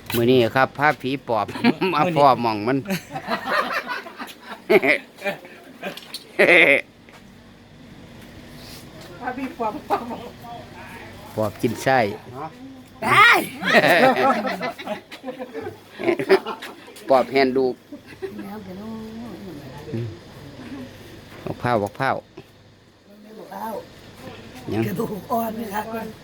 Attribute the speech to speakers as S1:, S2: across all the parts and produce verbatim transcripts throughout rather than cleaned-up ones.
S1: มือนี้ครับพาผีปอบ มาพ่อหมองมัน
S2: พาพี่ปอบปอบ
S1: ปอบกินไส้
S2: ได้
S1: ปอบแฮนดูบอกเผาบอกเผายัง
S2: กระดูกอ่อนนะครับ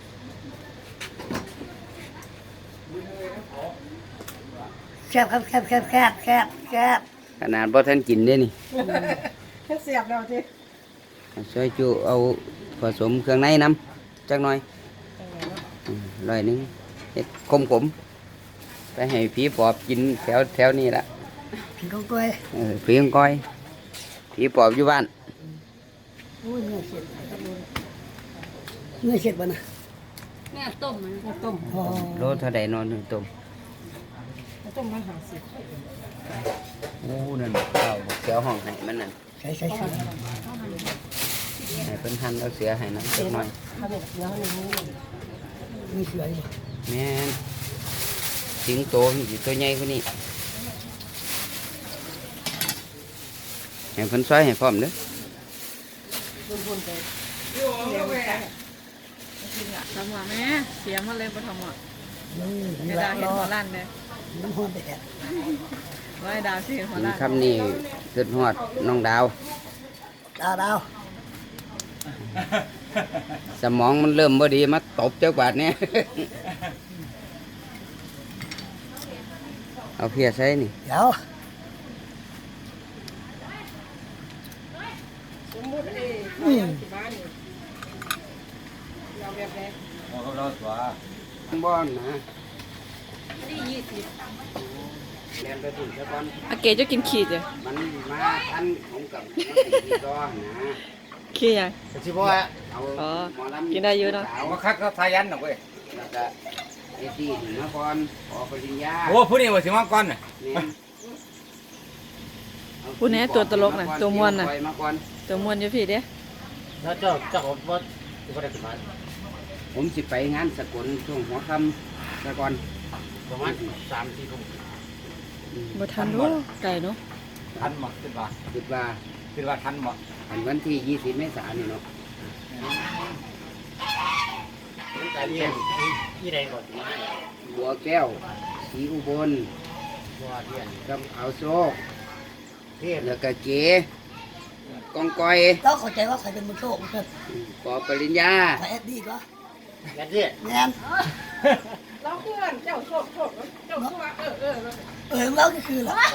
S2: แคบครับแคบแคบแคบแคบแคบ
S1: ขนาดบ่ท่านกินได้นี่
S2: แค่เสียบเราที
S1: ช่วยจูเอาผสมเครื่องในน้ำจักหน่อยอืมร้อยหนึงเฮ็ดขมขมๆไปให้ผีปอบกินแถวแถวนี้ละ
S2: ผีกองตัว
S1: เออผีของก้อยผีปอบอยู่บ้าน
S2: โอ้ยเนื้อเสียดเนื้อเสียดบ่นะ
S3: แม่ต้มมัน
S2: เนื้อต้มพอ
S1: โลเท่าใดนอนหนึ่งต้ม
S2: ต้มมาหาสิ
S1: โอ้นั่นข้าวเสือห้องให้มันนั่น
S2: ใส่ใส่ใส่
S1: ให้เพิ่นหั่นเอาเสือให้น้ำจักหน่อย
S2: เขาบอกเดี๋ยวให้รู้มีเสืออยู่
S1: แม่นสิงโตมันสิตัวใหญ่กว่านี้ให้เพิ่นซอยให้พร้อมเด้อ
S3: ทำหัวแม่เสียมาเลยมาทำหัว
S2: นี่
S3: ไอ้
S2: นี่
S3: ดา
S2: ละ
S3: วเห็น
S2: รอ
S3: หัวล้านเลย
S2: น้ำหอมแดด
S3: ว่าไอ้ดาวสิเห็นหัว
S1: กิน
S3: ล้าน
S1: คำนี้เกิดฮอดน้องดาว
S2: ดาวดาว
S1: สมองมันเริ่มบ่ดีมาตบเจ้าบาดเนี่ย เอาเพียใส่นี่
S2: เดี๋ยว
S4: สมมุติเอ้
S2: อืม
S4: ที่บ้านนี่เราแบบไหน
S1: บ้อนนะ
S4: ที่ยี่สิบ
S1: เรียนไปถึงซะก่อน
S3: อาเกจะกินขีดเลย
S1: มันมาทันผมกับตีต่อนะ
S3: ขี้ยัง
S5: สิบ่ว่า
S1: เอา
S3: อ๋อ
S1: หมอลำ
S3: กินได้เยอะเนอะ
S1: สาว
S5: มาคักเขาทายันน่ะเว้ย
S1: แล้วก็เอตี้ถึงมาก่อนขอปริญญา
S5: โอ้ผู้นี้ว่าสิมาก่อนน่ะ
S1: เนี่ยเอา
S3: พูดแน่ตัวตลกน่ะตัวม่วนน่ะ
S1: ปล่อยมาก่อน
S3: ตัวมวนอยู่พี่เด้
S5: แล้วเจ้าเจ้าก็บ่สิบ่ได้ขึ้นมา
S1: ผมสิไปงานสกลช่วงหัวค่ำซะก่อน
S5: ประมาณสามสี่ทุ่ม
S1: อืม
S3: บ่ทันดูไก่เนาะ
S5: ทันบ่คิดว่า
S1: คิดว่า
S5: คิดว่าทันบ่
S1: อันวันที่ยี่สิบเมษายนนี่เนาะ
S5: แต่เรียนที่ใดก่อนมา
S1: บัวแก้วสีอุบล
S5: บ่เรียน
S1: กับเอาโซก
S5: เทพ
S1: แล้วก็เก๋กองกอย
S2: เราเข้าใจว่าใครเป็นมือโชคเกิด
S1: ปอปริญญา
S2: ใครแอดดี้ก็
S5: ยันเด้
S2: แงน
S4: เราเพื่อนเจ้าโชคโชคเจ้าคือว่าเออเออ
S2: เออแล้วก็คือละ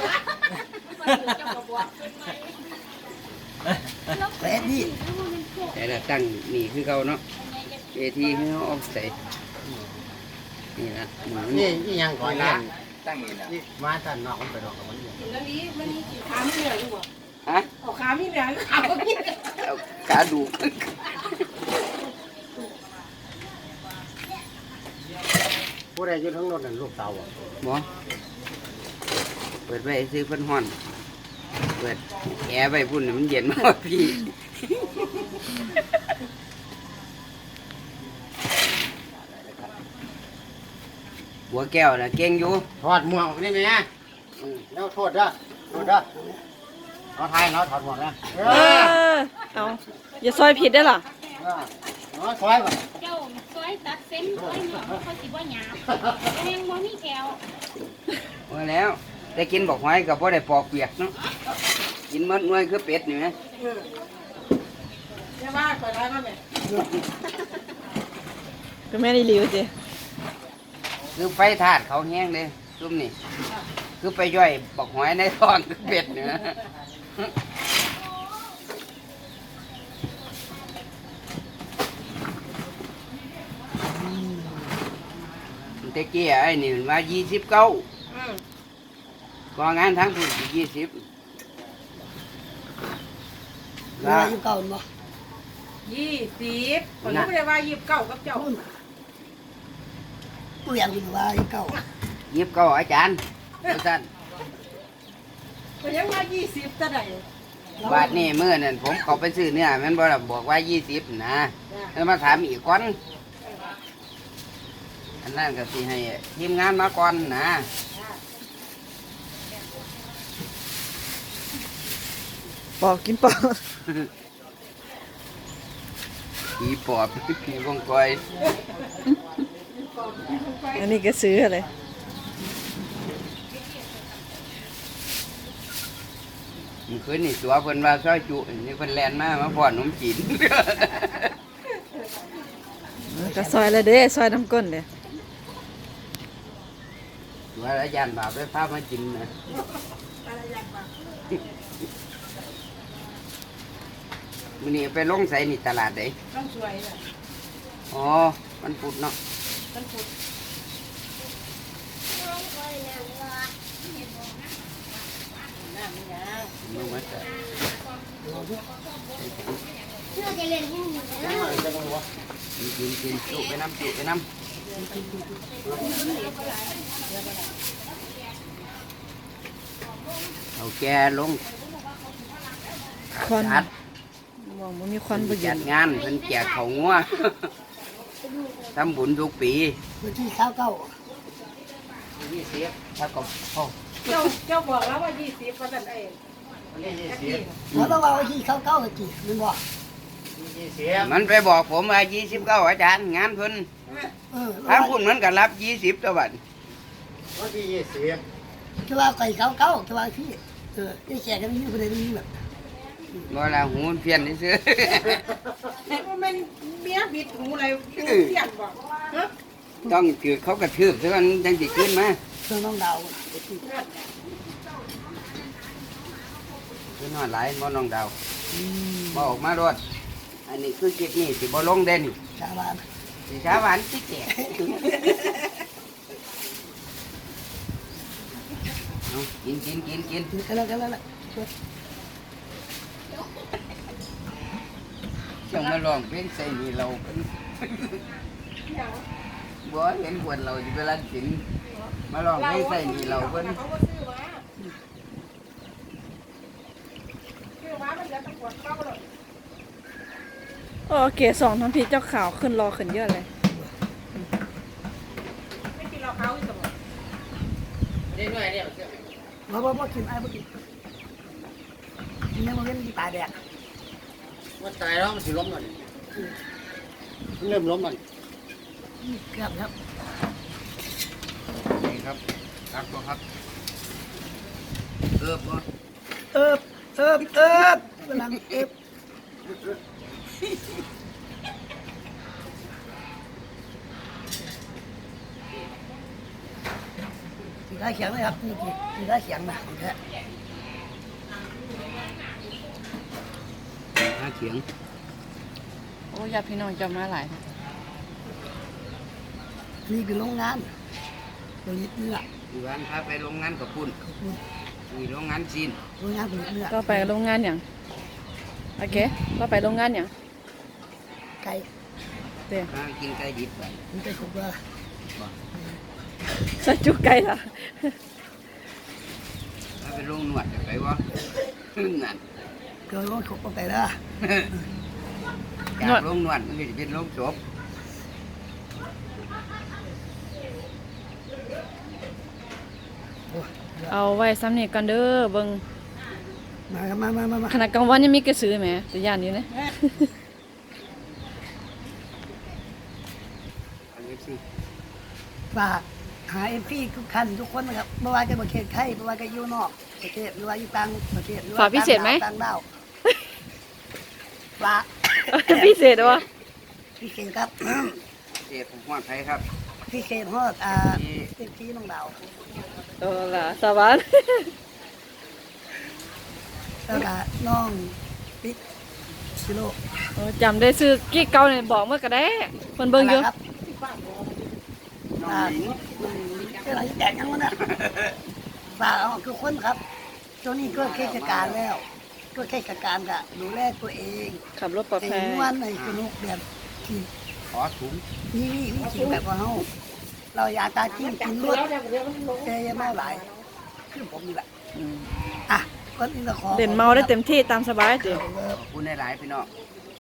S2: ใครแอดดี้
S1: แต่ละตั้งนี่คือเขาเนาะเอทีคือเขาเออกใส่นี่ละหมู
S5: นี่
S1: นี่
S5: อีหยังก่อน
S1: ละ
S5: เรียน
S1: ตั้งนี่ละ
S5: นี่มาท่านนอกมันไปนอกกับมันอยู่
S4: กินแล้วนี้มันมีขามีเหลืออยู่บ่
S1: ฮะ
S4: เอาขามีเหลือขาบ่มี
S1: เอาขาดู
S5: ผู้ใดอยู่ทั้งรถนั่นลูกสาวบ่
S1: หมอเปิดไว้ซื้อเพิ่นฮ้อนเปิดแอร์ไว้พุ่นนี่มันเย็นมากพี่บัวแก้วนะเก่งอยู่
S5: ถอดหมวกนี่แม่อืมแล้วโทษเด้อโทษเด้อเอาทายเนาะถอดหมวกนะเอ
S3: เอ
S5: อ
S3: อเอาอย่าซอยผิดได้อล่ะ
S5: เออเอาซอยบ่
S3: เจ้าซอยตัดเส้นซอยเหนียวเขาสิบ่หยาบแม่งบ่มีแก้ว
S1: ว่าแล้วได้กินบอกหอยกับพ่ได้ปอกเปียกเนาะกินมันน้อยคือเป็ดนี่ไหม
S4: อย่าว่าไปได้มาแม่
S3: ก็แม่ได้รีวิวสิ
S1: คือไฟถาดเขาแห้งเลยซุ่มนี่คือไปย่อยบอกหอยในท้องคือเป็ดเนี่ยตะกี้ไอ้นี่มันว่ายี่สิบเก้า
S4: อืม
S1: ก็งานทั้งผู้ยี่สิบ
S2: เวลาอยู่เก่าบ่
S4: ยี่สิบผมไม่ได้ว่ายี่สิบเก้ากับเจ้า
S2: ตัวอย่างอยู่ว่าอยู่เก่า
S1: ยี่สิบเก้าอาจารย์อาจารย์
S4: ก็ยังว่ายี่สิบจะได้
S1: บาทนี่เมื่อนั้นผมเขาไปซื้อเนื้อแมันบอกบอกว่ายี่สิบนะแล้วมาถามอีกคนอันนนั้นก็สิให้ทีมงานมาก่อนนะ
S6: ปอกกินปอก
S1: ผีปอบผีวงกอย
S6: อันนี้ก็ซื้ออะไร
S1: มันคืนนี่ตัวเพิ่นว่าซอยจุนี่เพิ่นแล่นมามาพ่อขนมจีน
S6: ก็ซอยละเด้ซอยน้ำก้นเด้
S1: ว่าอาจารย์บาปได้พามากินนะมื้อนี้ไปลงใส่นี่ตลาดเด้
S4: ต้องสวยอ่ะ
S1: อ๋อมันพุดเนาะ
S4: ต้องพุด
S1: มึงมาแต่
S2: เราจะเล่นยังไง
S1: กินกินจุไปน้ำจุไปน้ำเอาแกลง
S6: ควัน
S1: จัด
S6: มองมันมีควันบ่เย็
S1: จั
S6: น
S1: ดงานเพิ่นแจกเขาวงัว ทำบุญทุกปี
S2: วันที่เช้าเก้า
S1: ยี่สิบถ้าก็เข้า
S4: เจ้าเจ้าบอกแล้วว่ายี่สิบว่าสั่นเอง
S1: ยี่สิบ
S2: เราต้องเอาวันที่เช้าเก้ากี่มันบอก
S5: ยี่สิบ
S1: มันไปบอกผมว่ายี่สิบเก้าอาจารย์งานเพิ่น
S2: เออ
S1: ทางคุณมันก็รับยี่สิบตัวบัด
S5: วันที่ยี่สิบ
S2: จะว่าไก่เช้าเก้าจะว่าที่เออได้แจกกันนี่คนเดียวนี่แบบ
S1: บ่ละหูมันเพี้ยนนี่ซื้อ
S4: ว่ามันเมียบิดหูอะไรเสียงบอกฮะ
S1: ต้องถือเขากระทืบซะมันจังสิขึ้นมา
S2: เพื่อนน้องดาว
S1: คือนอนหลายบ่น้องดาวบ่ออกมารถอันนี้คือคลิปนี้สิบ่ลงเด่น
S2: ชาวบ้าน
S1: สิสาหวานสิแจกเอากินกินกินกิน
S2: กันแล้วกันแล้วแหละ
S1: จังมาลองเพลงใส่นี่เราเพิ่นบ่เห็นควรเราสิไปรันกินมาลองเพลงใส่นี่เราเพิ่น
S4: เขาก็ซื้อมาซื้อมามันจะตะกวดเข้าเลย
S6: โอเคสองน้ำพริกเจ้าขาวขึ้นรอขึ้นเยอะเลย
S4: ไม่กินเราเขาอีกสมอง
S5: นี่หน่อยเนี่ย
S2: บ่บ่บ่กินไอ้บ่กินยังบ่เห็นที่ตาแดง
S5: มันตายแล้วมันสิล้มมันมันเริ่มล้มมัน
S2: เกือบครับ
S1: นี่ครับครับบ่ครับเออบ่
S2: เอิบเอิบเอิบกำลังเอิบสีได้เขียงไหมครับนี่กี่สีได้เขียงนะของแท้
S1: หาเขียง
S6: โอ้ยาพี่น้องจะมาหลาย
S2: นี่คือโรงงานผลิตเนื้อ
S1: อีวันพาไปโรงงานกับปุ่น
S2: ขอบคุณ
S1: มีโรงงานจีน
S2: โรงงานผลิตเนื้อ
S6: ก็ไปโรงงานอย่างโอเคก็ไปโรงงานอย่าง
S2: ไก่
S6: เดี๋ยว
S1: มากินไก่ดิบไป
S2: มันจะถูกว่า
S6: ใส่จุกไก่ละ
S1: ถ้าไปโรงนวดจะไปวะนั่น
S2: เกิดรถถูกเอาไปแล้ว
S1: จากโรงนวดมันก็จะเป็นโรงศพ
S6: เอาไว้ซ้ำนี่กันเด้อเบิ่ง
S2: มามามามามา
S6: ขนาดกลางวันยังมีกระสือแหมแต่ย่านอยู่นะ
S1: อันนี้สิ
S2: ฝากหาเอฟซีทุกท่านทุกคนนะครับไม่ว่าจะประเทศไทยไม่ว่าจะอยู่นอกประเทศหรือว่าอยู่ต่างประเทศหรือว่า
S6: ฝากพิเศษไหม
S2: ต่างดาวฝาก
S6: พิเศษวะ
S2: พิเศษครับ
S1: เจ็บผมหอดไผครับ
S2: พิเศษฮอดอ่าเอฟซีน้องดาว
S6: เออล่ะสวัสดี
S2: แล้วก็น้องปิ๊กซิโล
S6: โอ้จำได้ซื้อกี้เก่าเนี่ยบอกเมื่อก็ได้คนเบิ่งอยู่
S2: ครับอ่าเอะไรแจกยังวะเนี่ยฝากเอาทุกคนครับตัวนี้ก็เทศกาลแล้วก็เทศกาลกะดูแลตัวเอง
S6: ขับรถปลอด
S2: แต่
S6: ภัย
S2: ม้วนในสนุกแบบที่
S1: ขอถุง
S2: นี่นี่นี่กินแบบว่าเฮาเราอยากตาจิ้มกินรวดเจยังไม่หลายคือผมนี่แหละ
S6: อืม
S2: อ่ะคนอื่นก็ขอ
S6: เล่นเมาได้เต็มที่ตามสบายจ้ะ
S1: ขอบคุณหลายๆพี่น้อง
S2: ค